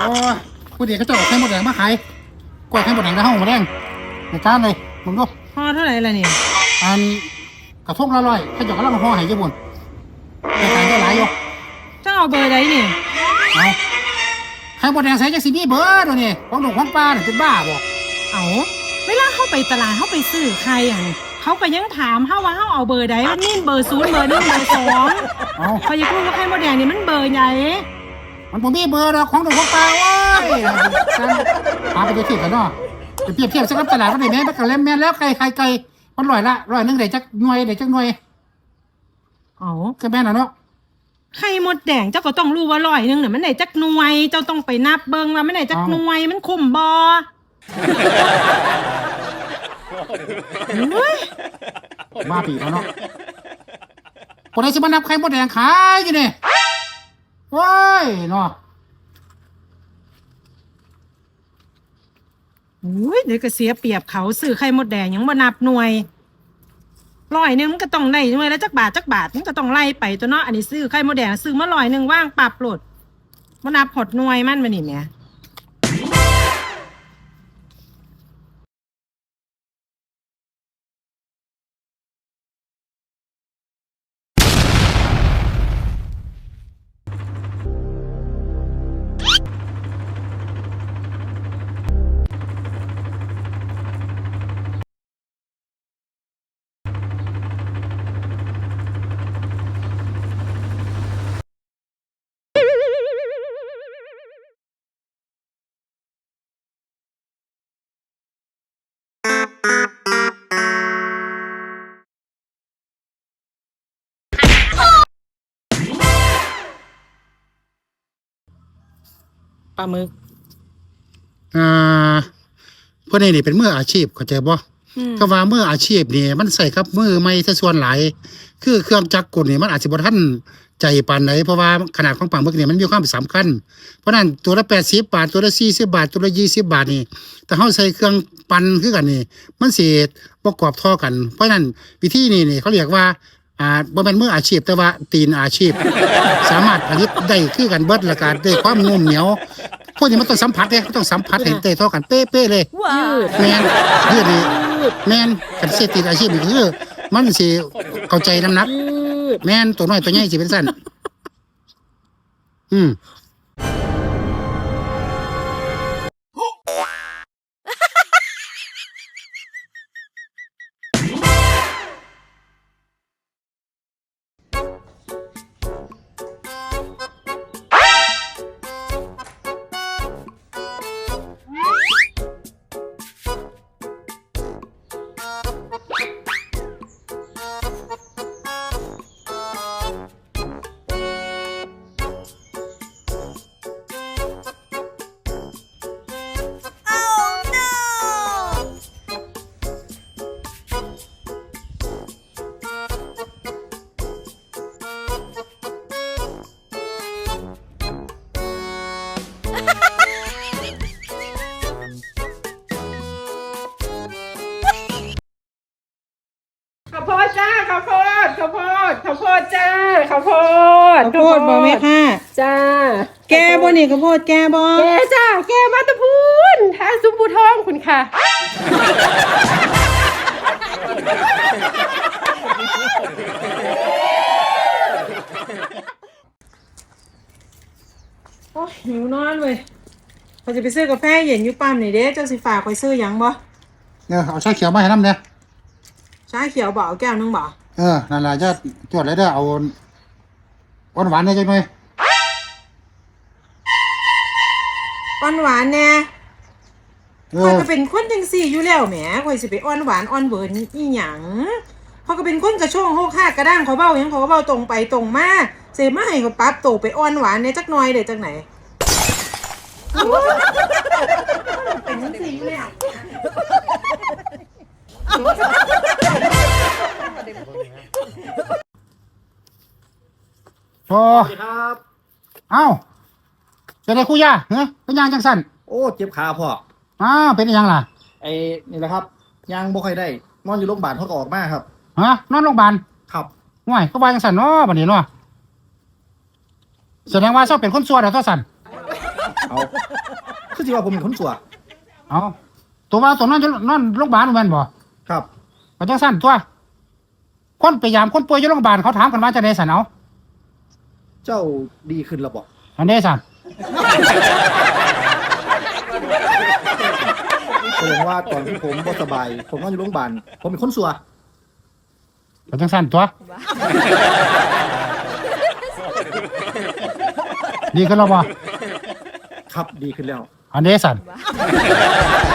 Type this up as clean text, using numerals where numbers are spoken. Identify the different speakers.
Speaker 1: อ้ผู้เด็กก็จะออกไข่มดแดงมาขายกล้วยไข่มดแดงในห้องมดแดงในจานเลยมึงดู
Speaker 2: ห่อเท่าไหร่ล่ะนี่
Speaker 1: อันกระทงละร้อยเขาจะกำลังห่อให้ญี่ปุ่นแต่ขายได้หลายอยู่
Speaker 2: เจ้าเอาเบอร์ใดนี่
Speaker 1: เอาไข่มดแดงใส่จากสีนี้เบอร์ตัวนี้ของหนุ่มของปลาเนี่ยเป็นบ้าบ่
Speaker 2: เอาเวลาเข้าไปตลาดเข้าไปซื้อไข่อย่างเขาก็ยังถามเฮาว่าเฮาเอาเบอร์ใดมันนี่เบอร์0เบอร์1เบอร์2เขาจะพูดว่าไข่มดแดงนี่มันเบอร์ใหญ่
Speaker 1: มันผมมีเบอร์ของหนุ่มของปลาโอ้ยหาไปเทียบกันเนาะจะเปรียบเทียบสักตลาดก็ได้แม่มันก็เล่มแม่แล้วไก่มันร้อยนึงได้จักหน่วย
Speaker 2: เอา
Speaker 1: ก็แม่น่ะเนาะ
Speaker 2: ไข่มดแดงเจ้าก็ต้องรู้ว่า100นึงน่ะมันได้จักหน่วยเจ้าต้องไปนับเบิ่งว่ามันได้จักหน่วยมันคุ้มบ่
Speaker 1: มาปีแล้วเนาะคนไหนจะมานับไข่มดแดงขายกันเนี่ยว้ายเนาะ
Speaker 2: เดี๋ยวก็เสียเปรียบเขาซื้อไข่มดแดงยังบ่นับหน่วย100นึงมันก็ต้องได้หน่วยแล้วจักบาทมันก็ต้องไล่ไปตัวเนาะอันนี้ซื้อไข่มดแดงซื้อมา100นึงว่างปรับโหลดบ่นับหดหน่วยมันบ่นี่แหมปลาหมึก
Speaker 1: เพื่อนนี่เป็นมืออาชีพเข้าใจบ่ก็ว่ามืออาชีพนี่มันใส่กับมือไม่ซะส่วนหลายคือเครื่องจักรกลนี่มันอาจจะบ่ทันใจปานใดเพราะว่าขนาดของปลาหมึกนี่มันมีความสำคัญเพราะนั้นตัวละ80บาทตัวละ40บาทตัวละ20บาทนี่แต่เฮาใส่เครื่องปั่นคือกันนี่มันสิบ่กรอบเท่ากัน เพราะนั้นวิธีนี่เขาเรียกว่าบ่แม่นมืออาชีพแต่ว่าตีนอาชีพสามารถผลิตได้คือกันเบิดและก็ได้ความนุ่มเหนียวพวกนี้มันต้องสัมผัสเด้ต้องสัมผัสให้ได้เท่ากันเป๊ะๆเลยแม่นยืดนี่แม่นกันเสียตีนอาชีพนี่คือมันสิเข้าใจน้ำหนักแม่นตัวน้อยตัวใหญ่สิเป็นสั้น
Speaker 2: ข้าวโพดจ้าข้าวโพดจ้าข้าวโพดบ่แม่ค่ะ
Speaker 3: จ้า
Speaker 2: แกบ่นี่ข้าวโพดแกบ่
Speaker 3: แกจ้าแกมาตะพูนทางซุ้มปูทองคุณค่ะ
Speaker 2: โอ้ยหิวนอนเว้ยเขาจะไปซื้อกาแฟเย็นอยู่ปั๊มนี่เด้เจ้าสิฝากไปซื้อหยังบ่
Speaker 1: เอาชาเขียวมาให้น้ำเนี่ย
Speaker 2: ชาเขียวบ่เอาแก้วนึงบ่
Speaker 1: นั่นแหละจะจวดเลยเด้อเอาหวานๆได้จังหน่อย
Speaker 2: หวานแน่ข่อยก็เป็นคนจังซี่อยู่แล้วแหมข่อยสิไปหวานเวิร์นอีหยังเขาก็เป็นคนกระโชงโฮกฮากกระด้างเขาเบ้าหยังเขาก็เบ้าตรงไปตรงมาเสมาให้เขาปรับโตไปหวานเนี่ยจักหน่อยได้จังไหนเป็นจังซี่อยู่แล้ว
Speaker 1: สวัสดีครับเอ้าจะได้คุยเป็นยังจังสั่น
Speaker 4: โอ้เจ็บขาพ่อ
Speaker 1: เป็นยังล่ะ
Speaker 4: นี่แหละครับยังบ่ค่อยได้นอนอยู่โรงพยาบาลเขาก็ออกมาครับ
Speaker 1: นอนโรงพยาบาล
Speaker 4: ครับ
Speaker 1: ห่วยก็ว่าจังสั่นเนาะบัดนี้เนาะแสดงว่าเจ้าเป็นคนซัวเด้อสั่น
Speaker 4: เอาคือสิว่าผมเป็นคนสัว
Speaker 1: เอาตัวว่าตัวนอนโรงพยาบาลแม่นบ่
Speaker 4: ครับ
Speaker 1: ก็จังซั่นตัวคนไปยามคนป่วยอยู่โรงพยาบาลเขาถามกันว่าจังได๋ซั่นเอา
Speaker 4: เจ้าดีขึ้นแล้วบ่
Speaker 1: อันนี้ซั่น
Speaker 4: แสดงว่าตอนที่ผมบ่สบายผมนอนอยู่โรงพยาบาลผมเป็นคนสัว
Speaker 1: ก็จังซั่นตัวดีขึ้นแล้วบ่
Speaker 4: ครับดีขึ้นแล้ว
Speaker 1: อันนี้ซั่น